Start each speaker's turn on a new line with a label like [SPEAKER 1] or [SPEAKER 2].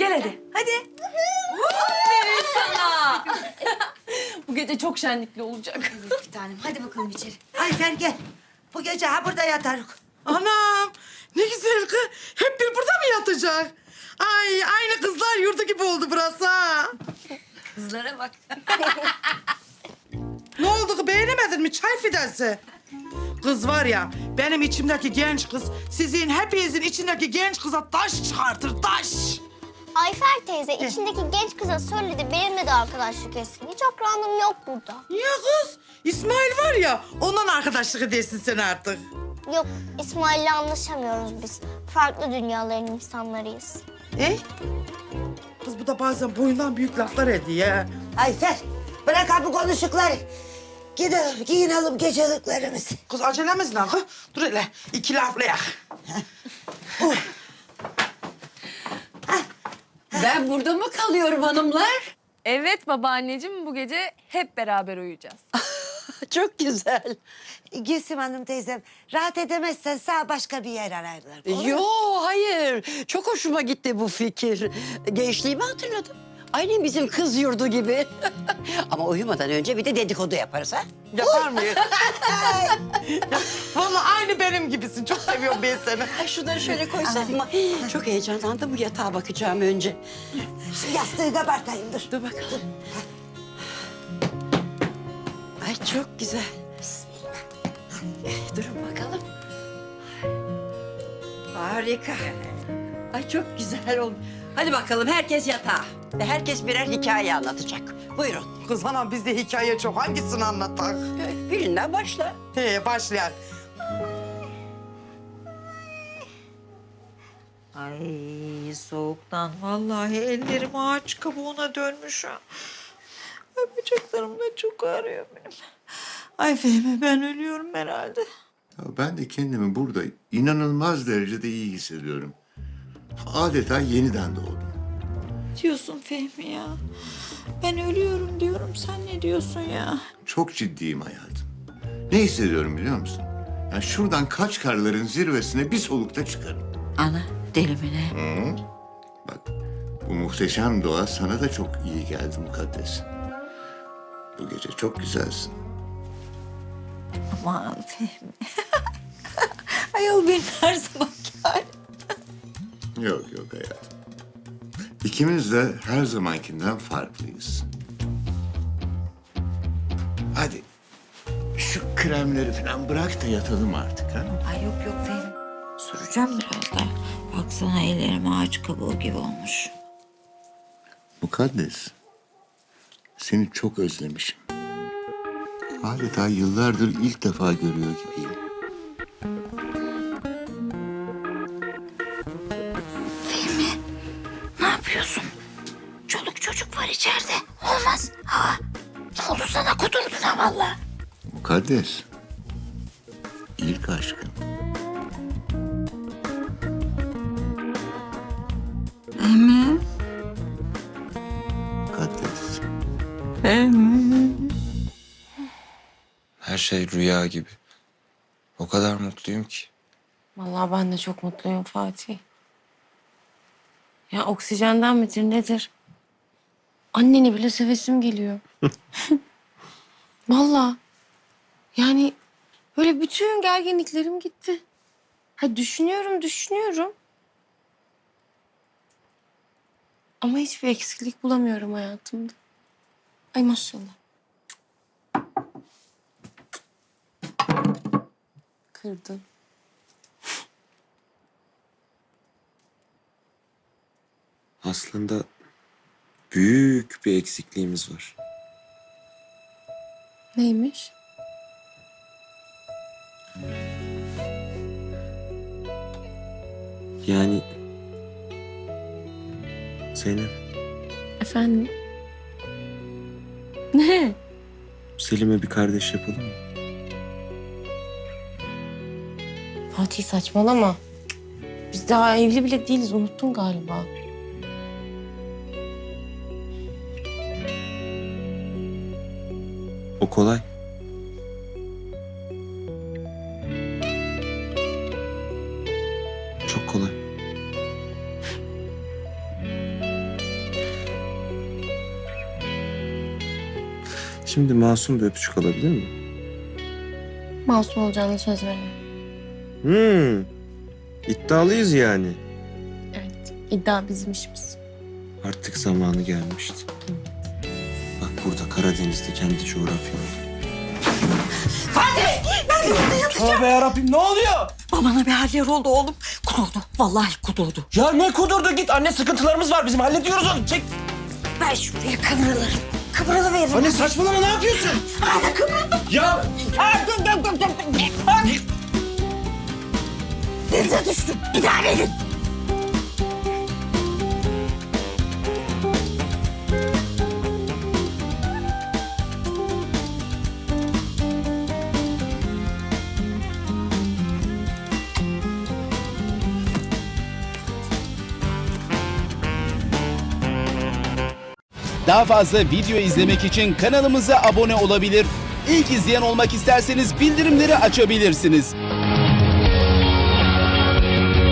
[SPEAKER 1] Gel hadi. Hadi.
[SPEAKER 2] Aferin sana. Bu gece çok şenlikli olacak.
[SPEAKER 3] Bir tanem hadi bakalım içeri.
[SPEAKER 4] Ayfer gel. Bu gece ha burada yatarız.
[SPEAKER 5] Anam ne güzel kız. Hep bir burada mı yatacak? Ay aynı kızlar yurdu gibi oldu burası ha.
[SPEAKER 3] Kızlara bak.
[SPEAKER 5] Ne oldu kız, beğenemedin mi çay fidansı? Kız var ya, benim içimdeki genç kız sizin hepinizin içindeki genç kıza taş çıkartır, taş.
[SPEAKER 6] Ayfer teyze içindeki genç kıza söyledi benimle de arkadaşlık etsin. Hiç akranım yok burada.
[SPEAKER 5] Niye kız? İsmail var ya, ondan arkadaşlık edersin sen artık.
[SPEAKER 6] Yok İsmail'le anlaşamıyoruz biz. Farklı dünyaların insanlarıyız.
[SPEAKER 5] Kız bu da bazen boyundan büyük laflar ediyor ha.
[SPEAKER 4] Ayfer bırak ha bu konuşukları. Gidelim giyinelim geceliklerimizi.
[SPEAKER 5] Kız acelemiz ne kız? Dur hele, iki laflayak.
[SPEAKER 2] Ben burada mı kalıyorum hanımlar?
[SPEAKER 1] Evet babaanneciğim bu gece hep beraber uyuyacağız.
[SPEAKER 7] Çok güzel.
[SPEAKER 4] Gülsüm Hanım teyzem rahat edemezsen sağ başka bir yer ararlar. Olur mu?
[SPEAKER 7] Yo hayır. Çok hoşuma gitti bu fikir. Gençliğimi hatırladım. Aynen bizim kız yurdu gibi. Ama uyumadan önce bir de dedikodu yaparız ha.
[SPEAKER 5] Yapar mıyız? Vallahi aynı benim gibisin. Çok seviyorum ben seni.
[SPEAKER 7] Ay şunları şöyle koysam mı? Çok heyecanlandım. Bu yatağa bakacağım önce.
[SPEAKER 4] Şu yastığı kabartayım dur.
[SPEAKER 7] Dur bakalım. Ay çok güzel. Durun bakalım. Harika. Ay çok güzel oldu. Hadi bakalım herkes yatağa. Ve herkes birer hikaye anlatacak. Buyurun.
[SPEAKER 5] Kız anam bizde hikaye çok. Hangisini anlatak?
[SPEAKER 7] Birinden başla.
[SPEAKER 5] Başlayak.
[SPEAKER 8] Ay soğuktan vallahi ellerim ağaç kabuğuna dönmüş ha. Ay bacaklarım da çok ağrıyor benim. Ay Fehmi ben ölüyorum herhalde.
[SPEAKER 9] Ya ben de kendimi burada inanılmaz derecede iyi hissediyorum. Adeta yeniden doğdum.
[SPEAKER 8] Diyorsun Fehmi ya. Ben ölüyorum diyorum sen ne diyorsun ya?
[SPEAKER 9] Çok ciddiyim hayatım. Ne hissediyorum biliyor musun? Yani şuradan Kaçkarların zirvesine bir solukta çıkarım.
[SPEAKER 8] Ana deli mi ne?
[SPEAKER 9] Hı? Bak bu muhteşem doğa sana da çok iyi geldi mukaddes. Bu gece çok güzelsin.
[SPEAKER 8] Aman Fehmi. Ayol benim her zamanki halim.
[SPEAKER 9] Yok yok hayatım. İkimiz de her zamankinden farklıyız. Hadi şu kremleri falan bırak da yatalım artık ha.
[SPEAKER 8] Ay yok yok Fehmi. Süreceğim biraz daha. Baksana ellerim ağaç kabuğu gibi olmuş.
[SPEAKER 9] Mukaddes, seni çok özlemişim. Adeta yıllardır ilk defa görüyor gibiyim.
[SPEAKER 6] Ne yapıyorsun? Çoluk çocuk var içeride. Olmaz. Ha, ne oldu sana kudurdun ha valla.
[SPEAKER 9] Mukaddes, ilk aşkım. Mukaddes.
[SPEAKER 10] Her şey rüya gibi. O kadar mutluyum ki.
[SPEAKER 2] Vallahi ben de çok mutluyum Fatih. Ya oksijenden midir nedir? Anneni bile sevesim geliyor. Vallahi. Yani böyle bütün gerginliklerim gitti. Ha düşünüyorum. Ama hiçbir eksiklik bulamıyorum hayatımda. Ay maşallah. Kırdın.
[SPEAKER 10] Aslında büyük bir eksikliğimiz var.
[SPEAKER 2] Neymiş?
[SPEAKER 10] Yani... Zeynep,
[SPEAKER 2] Efendim? Ne?
[SPEAKER 10] Selim'e bir kardeş yapalım mı?
[SPEAKER 2] Fatih saçmalama. Biz daha evli bile değiliz. Unuttun galiba.
[SPEAKER 10] O kolay. Çok kolay. Şimdi masum bir öpücük alabilir miyim?
[SPEAKER 2] Masum olacağını söz veriyorum.
[SPEAKER 10] İddialıyız yani.
[SPEAKER 2] Evet. İddia bizim işimiz.
[SPEAKER 10] Artık zamanı gelmişti. Bak burada Karadeniz'de kendi coğrafyamda.
[SPEAKER 11] Tövbe yarabbim ne oluyor?
[SPEAKER 8] Babana bir haller oldu oğlum. Kudurdu. Vallahi kudurdu.
[SPEAKER 11] Ya ne kudurdu git anne sıkıntılarımız var bizim hallediyoruz onu çek.
[SPEAKER 8] Ver şuraya kıvrılır. Kıvrılıverin.
[SPEAKER 11] Anne saçmalama ne yapıyorsun?
[SPEAKER 8] Hadi kıvrılın.
[SPEAKER 11] Ya
[SPEAKER 8] Denize düştüm. İdare edin.
[SPEAKER 12] Daha fazla video izlemek için kanalımıza abone olabilir. İlk izleyen olmak isterseniz bildirimleri açabilirsiniz.